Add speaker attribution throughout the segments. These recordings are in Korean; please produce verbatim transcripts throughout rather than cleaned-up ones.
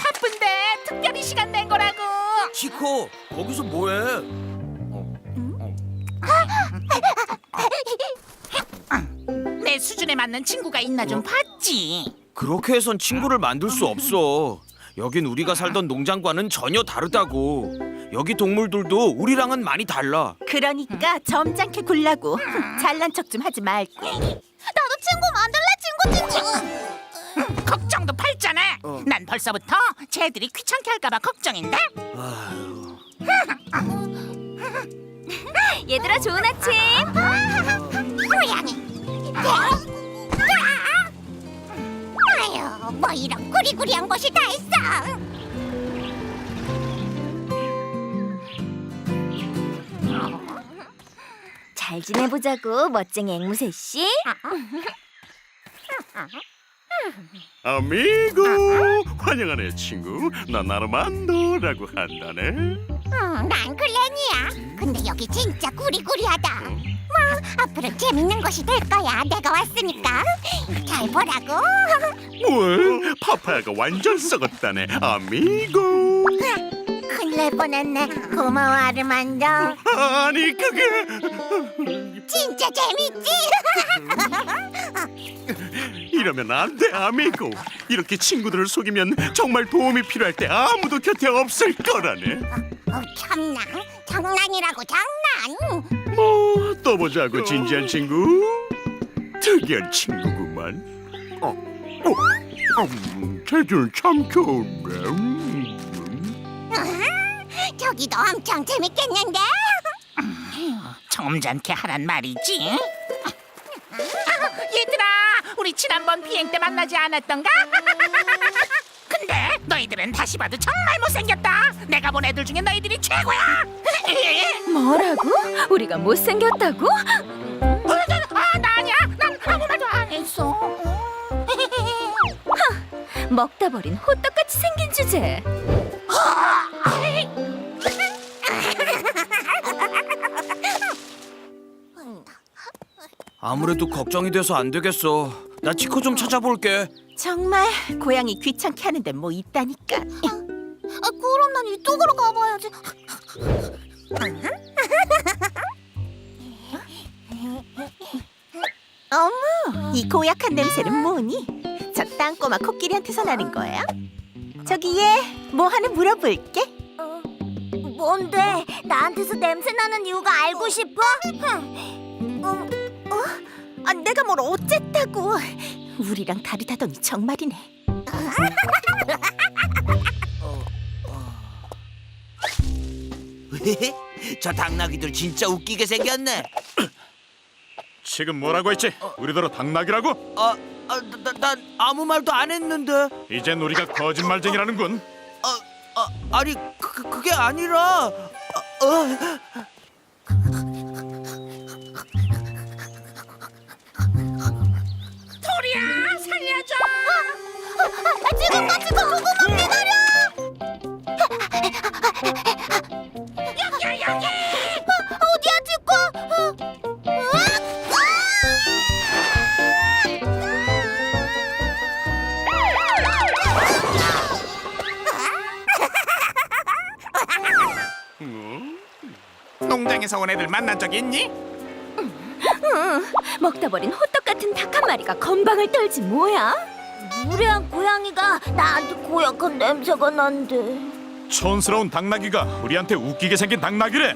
Speaker 1: 바쁜데 특별히 시간 낸 거라고.
Speaker 2: 치코, 거기서 뭐해?
Speaker 1: 내 수준에 맞는 친구가 있나 좀 봤지.
Speaker 2: 그렇게 해선 친구를 만들 수 없어. 여긴 우리가 살던 농장과는 전혀 다르다고. 여기 동물들도 우리랑은 많이 달라.
Speaker 3: 그러니까 점잖게 굴라고. 잘난 척 좀 하지 말고.
Speaker 4: 나도 친구 만들래, 친구 친구.
Speaker 1: 걱정도 팔잖아.
Speaker 2: 어.
Speaker 1: 난 벌써부터 쟤들이 귀찮게 할까봐 걱정인데.
Speaker 2: 아유,
Speaker 4: 얘들아 좋은 아침. 고양이. 아유, 뭐 이런 구리구리한 것이 다 있어. 잘 지내보자고, 멋쟁이 앵무새 씨.
Speaker 5: 아미고, 환영하네 친구. 난 아르만도라고 한다네.
Speaker 4: 응, 난 글렌이야. 근데 여기 진짜 구리구리하다. 뭐 앞으로 재밌는 것이 될 거야. 내가 왔으니까 잘 보라고.
Speaker 5: 뭘? 파파야가 완전 썩었다네. 아미고.
Speaker 4: 큰일 날 뻔했네. 고마워 아르만도.
Speaker 5: 아니 그게
Speaker 4: 진짜 재밌지?
Speaker 5: 이러면 안 돼, 아미고. 이렇게 친구들을 속이면 정말 도움이 필요할 때 아무도 곁에 없을 거라네.
Speaker 4: 어, 참나. 장난이라고 장난.
Speaker 5: 뭐 또 보자고, 진지한 친구. 특이한 친구구만. 어, 어, 음, 쟤들 참 좋은데. 음.
Speaker 4: 으흠, 저기도 엄청 재밌겠는데?
Speaker 1: 점잖게 하란 말이지. 아, 얘들아, 우리 지난번 비행 때 만나지 않았던가? 근데 너희들은 다시 봐도 정말 못생겼다. 내가 본 애들 중에 너희들이 최고야.
Speaker 3: 뭐라고? 우리가 못생겼다고?
Speaker 1: 아, 나 아니야. 난 아무 말도 안 했어.
Speaker 3: 먹다 버린 호떡같이 생긴 주제.
Speaker 2: 아무래도 걱정이 돼서 안 되겠어. 나 치코 좀 찾아볼게.
Speaker 3: 정말 고양이 귀찮게 하는데 뭐 있다니까.
Speaker 4: 아, 그럼 난 이쪽으로 가봐야지.
Speaker 3: 어머, 이 고약한 냄새는 뭐니? 저 땅꼬마 코끼리한테서 나는 거야? 저기 얘, 뭐 하나 물어볼게.
Speaker 4: 어, 뭔데? 나한테서 냄새 나는 이유가 알고 싶어? 흠. 어,
Speaker 3: 아, 내가 뭘 어쨌다고. 우리랑 다르다더니 정말이네.
Speaker 2: 저 당나귀들 진짜 웃기게 생겼네.
Speaker 5: 지금 뭐라고 했지? 우리더러 당나귀라고?
Speaker 2: 아, 아 나, 난 아무 말도 안 했는데.
Speaker 5: 이젠 우리가 거짓말쟁이라는군.
Speaker 2: 아, 아 아니 그, 그게 아니라. 아, 어.
Speaker 1: 토리야, 살려줘.
Speaker 4: 아, 지금 같이 조금만 기다려.
Speaker 1: 여기, 여기.
Speaker 4: 어, 어디야, 지코? 어,
Speaker 1: 농장에서 온 애들 만난 적 있니?
Speaker 3: 먹다 버린 호떡 같은 닭 한 마리가 건방을 떨지 뭐야?
Speaker 4: 무례한 고양이가 나한테 고약한 냄새가 난대.
Speaker 5: 촌스러운 당나귀가 우리한테 웃기게 생긴 당나귀래.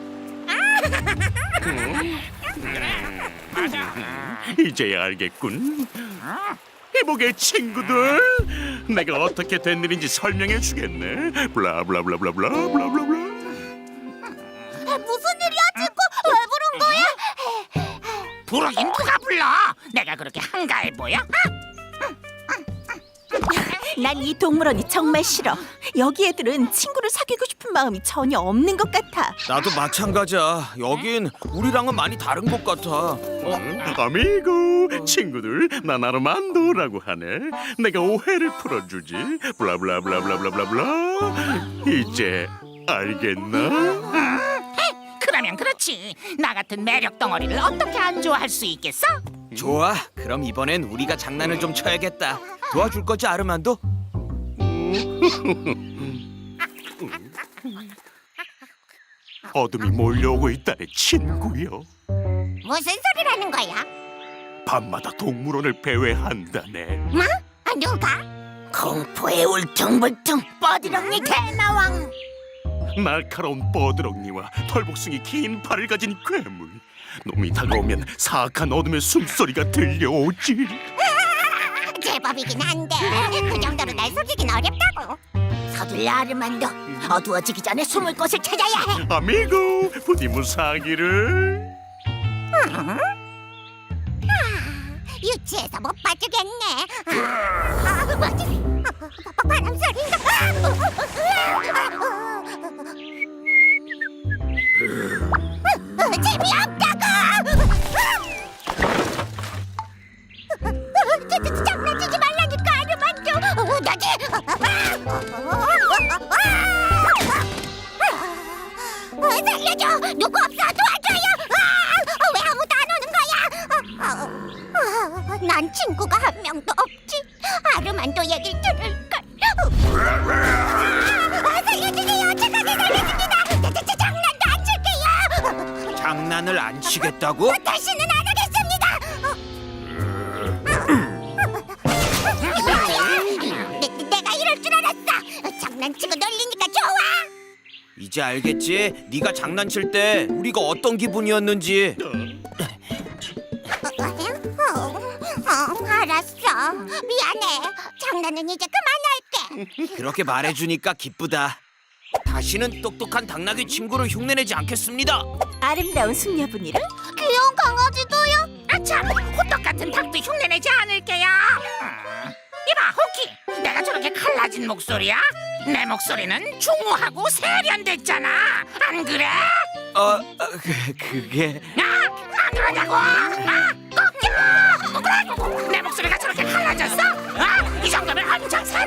Speaker 5: 이제야 알겠군. 이보게 친구들, 내가 어떻게 된 일인지 설명해 주겠네. 블라블라블라블라블라블라블라.
Speaker 4: 무슨 일이야, 지코? 왜 부른 거야?
Speaker 1: 부르긴 누가 불러? 내가 그렇게 한가해 보여?
Speaker 3: 난 이 동물원이 정말 싫어. 여기 애들은 친구를 사귀고 싶은 마음이 전혀 없는 것 같아.
Speaker 2: 나도 마찬가지야. 여긴 우리랑은 많이 다른 것 같아. 어?
Speaker 5: 아미고, 친구들, 난 아르만도라고 하네. 내가 오해를 풀어주지. 블라블라블라블라블라블라. 이제 알겠나?
Speaker 1: 그러면 그렇지. 나 같은 매력 덩어리를 어떻게 안 좋아할 수 있겠어?
Speaker 2: 좋아. 그럼 이번엔 우리가 장난을 좀 쳐야겠다. 도와줄 거지, 아르만도?
Speaker 5: 음, 어둠이 몰려오고 있다네 친구요.
Speaker 4: 무슨 소리라는 거야?
Speaker 5: 밤마다 동물원을 배회한다네.
Speaker 4: 뭐? 아, 누가?
Speaker 3: 공포에 울퉁불퉁 뻐드렁니 대나왕.
Speaker 5: 날카로운 뻐드렁니와 털복숭이 긴 팔을 가진 괴물. 놈이 다가오면 사악한 어둠의 숨소리가 들려오지.
Speaker 4: 제법이긴 한데 그 정도로 날 속이긴 어렵다고.
Speaker 3: 서둘러 아르만도. 어두워지기 전에 숨을 곳을 찾아야 해.
Speaker 5: 아미고 부디 무사하기를.
Speaker 4: 유치해서 못 봐주겠네. 아, 아, 뭐지? 아, 바- 바람 소리인가? 아, 재미없다고! 저, 저, 장난치지 말라니까 아르만도. 너지? 살려줘! 누구 없어? 도와줘요! 아, 왜 아무도 안 오는 거야? 아, 아, 난 친구가 한 명도 없지. 아르만도 얘기를 들을걸. 아, 살려주세요. 착하게 살려줍니다. 저, 저, 저, 장난도 안 칠게요.
Speaker 2: 장난을 안 치겠다고?
Speaker 4: 다시는 안 하겠습니다. 내, 내가 이럴 줄 알았어. 장난치고 놀리니까 좋아.
Speaker 2: 이제 알겠지? 네가 장난칠 때 우리가 어떤 기분이었는지.
Speaker 4: 어, 어, 알았어. 미안해. 장난은 이제 그만할게.
Speaker 2: 그렇게 말해주니까 기쁘다. 다시는 똑똑한 당나귀 친구를 흉내내지 않겠습니다.
Speaker 3: 아름다운 숙녀분이랑
Speaker 4: 귀여운 강아지도요?
Speaker 1: 아참, 호떡 같은 닭도 흉내내지 않을게요. 음. 이봐, 호키, 내가 저렇게 갈라진 목소리야? 내 목소리는 중후하고 세련됐잖아. 안 그래?
Speaker 2: 어, 어 그, 그게
Speaker 1: 아, 안 그러냐고? 아, 꺾여! 내 목소리가 저렇게 갈라졌어? 아, 이 정도면 엄청 새로워.